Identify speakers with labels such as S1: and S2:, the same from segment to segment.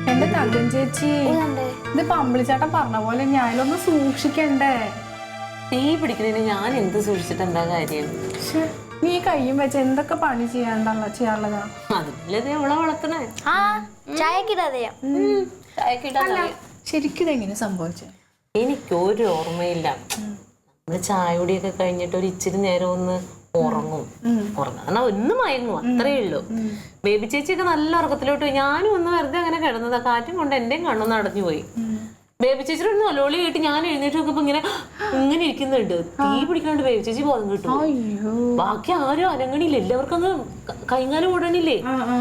S1: എന്റെ തങ്കം ചേച്ചി, ഇതിപ്പോ അമ്പിളിച്ചേട്ടൻ പറഞ്ഞ പോലെ ഞാനൊന്ന് സൂക്ഷിക്കണ്ടേ?
S2: തീ പിടിക്കുന്നതിന് ഞാൻ എന്ത് സൂക്ഷിച്ചിട്ട് എന്താ കാര്യം?
S1: നീ കയ്യും വെച്ച് എന്തൊക്കെ പണി ചെയ്യാനുള്ളതാ?
S2: അതില്ലേ അവളെ വളർത്തണേ.
S1: ശരിക്കും ഇതെങ്ങനെ സംഭവിച്ചേ?
S2: എനിക്കൊരു ഓർമ്മയില്ല. നമ്മള് ചായ കുടിയൊക്കെ കഴിഞ്ഞിട്ട് ഒരു ഇച്ചിരി നേരം ഒന്ന് ഉറങ്ങും. ഉറങ്ങാ ഒന്ന് മയങ്ങും, അത്രേ ഉള്ളൂ. ബേബി ചേച്ചിയൊക്കെ നല്ല ഉറക്കത്തിലോട്ട് പോയി. ഞാനും ഒന്ന് വെറുതെ അങ്ങനെ കിടന്നതാ. കാറ്റും കൊണ്ട് എന്റെയും കണ്ണൊന്ന് അടഞ്ഞു പോയി. ബേബി ചേച്ചിയുടെ ഒരു നൊലോളി കേട്ട് ഞാൻ എഴുന്നേറ്റ് നോക്കുമ്പോ ഇങ്ങനെ ഇരിക്കുന്നുണ്ട്. തീ പിടിക്കാണ്ട് ബേബി ചേച്ചി ബോധം കിട്ടും. ബാക്കി ആരും അനങ്ങണില്ല. എല്ലാവർക്കും അങ്ങ് കൈകാലം ഓടണില്ലേ.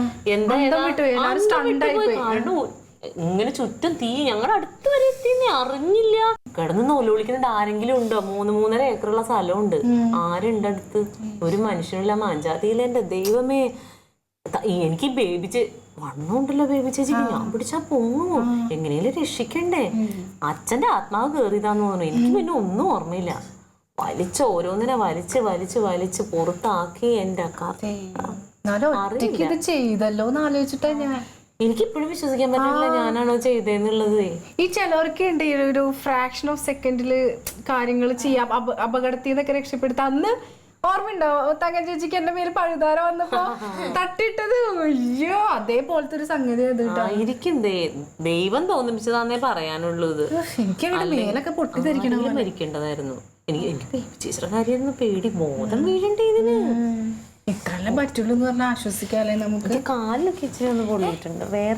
S2: കാരണം ഇങ്ങനെ ചുറ്റും തീ. ഞങ്ങളുടെ അടുത്ത് വരെ എത്തിയെന്ന് അറിഞ്ഞില്ല. കിടന്ന് നൊലോളിക്കുന്നുണ്ട്. ആരെങ്കിലും ഉണ്ടോ? 3-3.5 ഏക്കറുള്ള സ്ഥലമുണ്ട്. ആരുണ്ട് അടുത്ത്? ഒരു മനുഷ്യനില്ല. മാഞ്ചാതിയില്ല. എന്റെ ദൈവമേ, എനിക്ക് ബേബി വണ്ണമുണ്ടല്ലോ ബേബി ചേച്ചിക്ക്. ഞാൻ പിടിച്ചാ പൊങ്ങുമോ? എങ്ങനെയും രക്ഷിക്കണ്ടേ? അച്ഛന്റെ ആത്മാവ് കേറിയതാന്ന് തോന്നുന്നു. എനിക്ക് പിന്നെ ഒന്നും ഓർമ്മയില്ല. ഓരോന്നിനെ വലിച്ച് പുറത്താക്കി. എന്റെ
S1: ചെയ്തല്ലോ എന്ന് ആലോചിച്ചിട്ടാ ഞാൻ.
S2: എനിക്കിപ്പോഴും വിശ്വസിക്കാൻ പറ്റില്ല ഞാനാണോ ചെയ്തേന്നുള്ളത്.
S1: ഈ ചിലവർക്ക് ഉണ്ട് ഒരു ഫ്രാക്ഷൻ ഓഫ് സെക്കൻഡില് കാര്യങ്ങൾ ചെയ്യാം, അപകടത്തിൽ നിന്നൊക്കെ രക്ഷപ്പെടുത്താം. അന്ന് ഓർമ്മയുണ്ടോ തങ്കം ചേച്ചിക്ക് എന്റെ മേൽ പഴുതാര വന്നപ്പോ തട്ടിട്ടത്? അയ്യോ, അതേപോലത്തെ ഒരു സംഗതി
S2: ആയിരിക്കും. ദൈവം തോന്നിപ്പിച്ചതാന്നേ പറയാനുള്ളത്.
S1: എനിക്ക് മേലൊക്കെ പൊട്ടിത്തെറിക്കണം.
S2: മരിക്കേണ്ടതായിരുന്നു. എനിക്ക് ചേച്ചിയുടെ കാര്യമായിരുന്നു പേടി. ബോധം വീഴണ്ടേ ഇതിന്?
S1: ഇത്രയെല്ലാം പറ്റുള്ളൂ എന്ന് പറഞ്ഞാൽ ആശ്വസിക്കാല്ലേ നമുക്ക്.
S2: കാലിലൊക്കെ ഇച്ചിരി ഒന്ന് പൊള്ളിയിട്ടുണ്ട്. വേറെ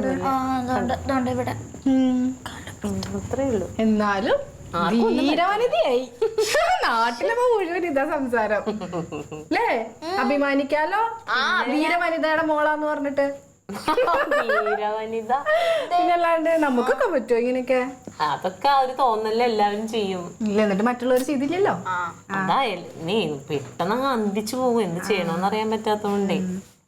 S2: അത്രേ ഉള്ളൂ.
S1: എന്നാലും ധീരവനിതയായി. നാട്ടിലപ്പോ മുഴുവൻ ഇതാ സംസാരം അല്ലേ? അഭിമാനിക്കാലോ ധീരവനിതയുടെ മോളാന്ന് പറഞ്ഞിട്ട്. പിന്നല്ലാണ്ട് നമുക്കൊക്കെ പറ്റുമോ ഇങ്ങനെയൊക്കെ?
S2: അതൊക്കെ ഒരു തോന്നല് എല്ലാവരും ചെയ്യും.
S1: ഇല്ല, എന്നിട്ട് മറ്റുള്ളവർ ചെയ്തില്ലല്ലോ.
S2: അതായാലും നീ പെട്ടെന്ന് അന്തിച്ചു പോകും. എന്ത് ചെയ്യണമെന്ന് അറിയാൻ പറ്റാത്തോണ്ടേ.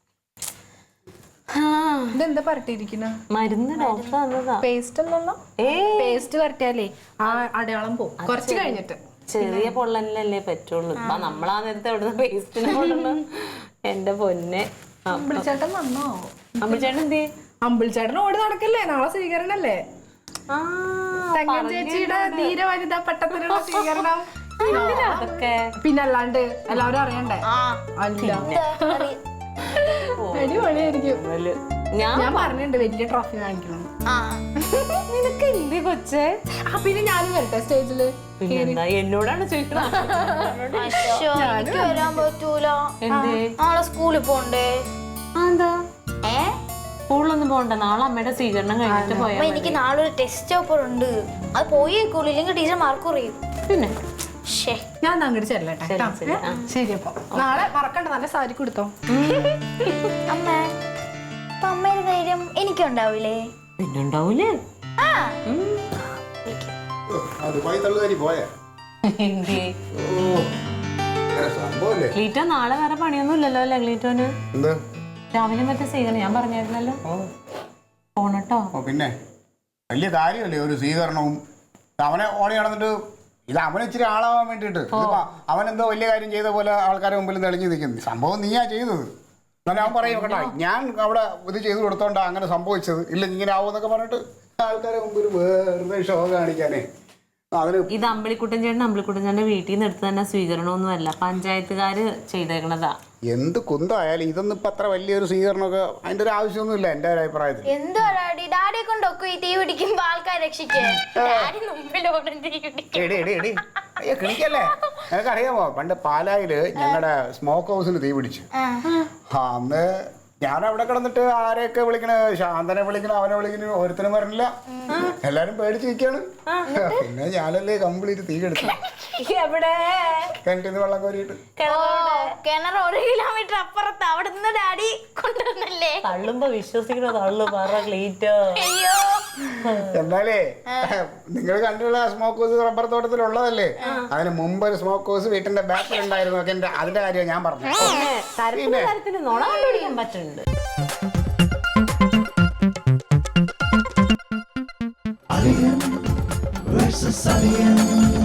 S1: ഇതെന്താ പരട്ടിയിരിക്കുന്ന
S2: മരുന്ന് ഡോക്ടർ തന്നതാ.
S1: പേസ്റ്റ് അല്ലല്ലോ. പേസ്റ്റ് പരട്ടിയാലേ ആ അടയാളം പോകും കുറച്ച് കഴിഞ്ഞിട്ട്.
S2: ചെറിയ പൊള്ളലല്ലേ പറ്റുള്ളൂ. നമ്മളാ നേരത്തെ എവിടുന്ന് പേസ്റ്റിനെ കൊണ്ടുള്ള. എന്റെ പൊന്നെ.
S1: അമ്പിളിച്ചേട്ടൻ വന്നോ?
S2: അമ്പിളിച്ചേട്ടൻ എന്ത്?
S1: അമ്പിളിച്ചേട്ടൻ ഓടി നടക്കല്ലേ? നാളെ സ്വീകരണല്ലേ? തങ്കം ചേച്ചിയുടെ ധീര വനിതാ പട്ടത്തിനുള്ള സ്വീകരണം.
S2: അതൊക്കെ
S1: പിന്നല്ലാണ്ട് എല്ലാവരും അറിയണ്ടേ? അല്ല, അടിപൊളിയായിരിക്കും. ഞാൻ പറഞ്ഞിട്ടുണ്ട് വലിയ ട്രോഫി വാങ്ങിക്കണം.
S2: നിനക്ക് എന്ത് കൊച്ചേ?
S1: പിന്നെ ഞാനും വരട്ടെ സ്റ്റേജില്?
S2: എന്നോടാണ് ചോദിക്കുന്നത്.
S3: വരാൻ പറ്റൂല. നാളെ സ്കൂളിൽ പോണ്ടേ?
S2: എന്താ സ്കൂളിലൊന്നും പോണ്ട. നാളെ അമ്മയുടെ സ്വീകരണം കഴിഞ്ഞിട്ട് പോയാ.
S3: എനിക്ക് നാളെ ഒരു ടെസ്റ്റ് പേപ്പർ ഉണ്ട്. അത് പോയേക്കൂല, ഇല്ലെങ്കിൽ ടീച്ചർ മാർക്ക് കുറയും.
S2: പിന്നെ
S1: ഞാൻ അങ്ങോട്ട് ചെല്ലട്ടെ. ശരി, അപ്പൊ നാളെ മറക്കണ്ട, നല്ല സാരി കൊടുത്തോ.
S3: അമ്മ അമ്മയുടെ ധൈര്യം എനിക്കുണ്ടാവൂലേ?
S2: പിന്നുണ്ടാവൂലേ? ക്ലീറ്റോ നാളെ വേറെ പണിയൊന്നും ഇല്ലല്ലോ അല്ലേ ക്ലീറ്റോന്? രാവിലെ മറ്റേ സ്വീകരണം ഞാൻ പറഞ്ഞായിരുന്നല്ലോ. പോണട്ടോ.
S4: പിന്നെ വലിയ കാര്യമല്ലേ ഒരു സ്വീകരണവും. അവനെ ഓടി നടന്നിട്ട് ഇത് അവനെ ഇച്ചിരി ആളാവാൻ വേണ്ടിയിട്ട് അവനെന്തോ വലിയ കാര്യം ചെയ്ത പോലെ ആൾക്കാരെ മുമ്പിൽ തെളിഞ്ഞു നിൽക്കുന്നു. സംഭവം നീയാ ചെയ്തത്. എന്നാലും അവൻ പറയും കേട്ടോ, ഞാൻ അവിടെ ഇത് ചെയ്തു കൊടുത്തോണ്ടാ അങ്ങനെ സംഭവിച്ചത്, ഇല്ല ഇങ്ങനെ ആവുമെന്നൊക്കെ പറഞ്ഞിട്ട് ആൾക്കാരെ മുമ്പിൽ വെറുതെ ഷോ കാണിക്കാനേ.
S2: ഇത് അമ്പിളിക്കുട്ടൻ ചേട്ടന്റെ വീട്ടിൽ നിന്ന് എടുത്ത് തന്നെ സ്വീകരണമൊന്നുമല്ല, പഞ്ചായത്തുകാര് ചെയ്തേക്കണതാ.
S4: എന്ത് കുന്തായാലും ഇതൊന്നും ഇപ്പൊ അത്ര വലിയൊരു സ്വീകരണമൊക്കെ അതിന്റെ ഒരു ആവശ്യമൊന്നുമില്ല എന്റെ ഒരു അഭിപ്രായത്തിൽ.
S3: എന്തോ ഡാഡിയെ കൊണ്ടൊക്കെ ഈ തീ പിടിക്കുമ്പോ ആൾക്കാർ രക്ഷിക്കേ.
S4: കിണിക്കല്ലേ? നിനക്കറിയാമോ പണ്ട് പാലായില് ഞങ്ങളുടെ സ്മോക്ക് ഹൗസിന് തീ പിടിച്ചു. അന്ന് ഞാൻ അവിടെ കിടന്നിട്ട് ആരെയൊക്കെ വിളിക്കണ, ശാന്തനെ വിളിക്കണ, അവനെ വിളിക്കണ, ഒരുത്തനും പറഞ്ഞില്ല. എല്ലാരും പേടിച്ച് നിൽക്കാണ്. പിന്നെ ഞാനല്ലേ കംപ്ലീറ്റ് തീ കെടുത്തു. കിണറ്റിന്ന് വെള്ളം കോരിയിട്ട്.
S3: കിണർ 1 കിലോമീറ്റർ അപ്പുറത്ത്. അവിടെ നിന്ന് ഡാഡി കൊണ്ടുവന്നല്ലേ.
S2: തള്ളുമ്പോ വിശ്വസിക്കണോ? തള്ളു പറ ക്ലീറ്റോ.
S4: എന്നാലേ നിങ്ങൾ കണ്ടുള്ള സ്മോക്ക് ഹൗസ് റബ്ബർ തോട്ടത്തിലുള്ളതല്ലേ? അതിന് മുമ്പ് ഒരു സ്മോക്ക് ഹൗസ് വീട്ടിന്റെ ബാക്കിൽ ഉണ്ടായിരുന്നു. അതിന്റെ കാര്യം ഞാൻ പറഞ്ഞു.
S2: തരത്തിന് നുണ കണ്ടുപിടിക്കാൻ പറ്റുന്നുണ്ട്.
S5: Versus Alien.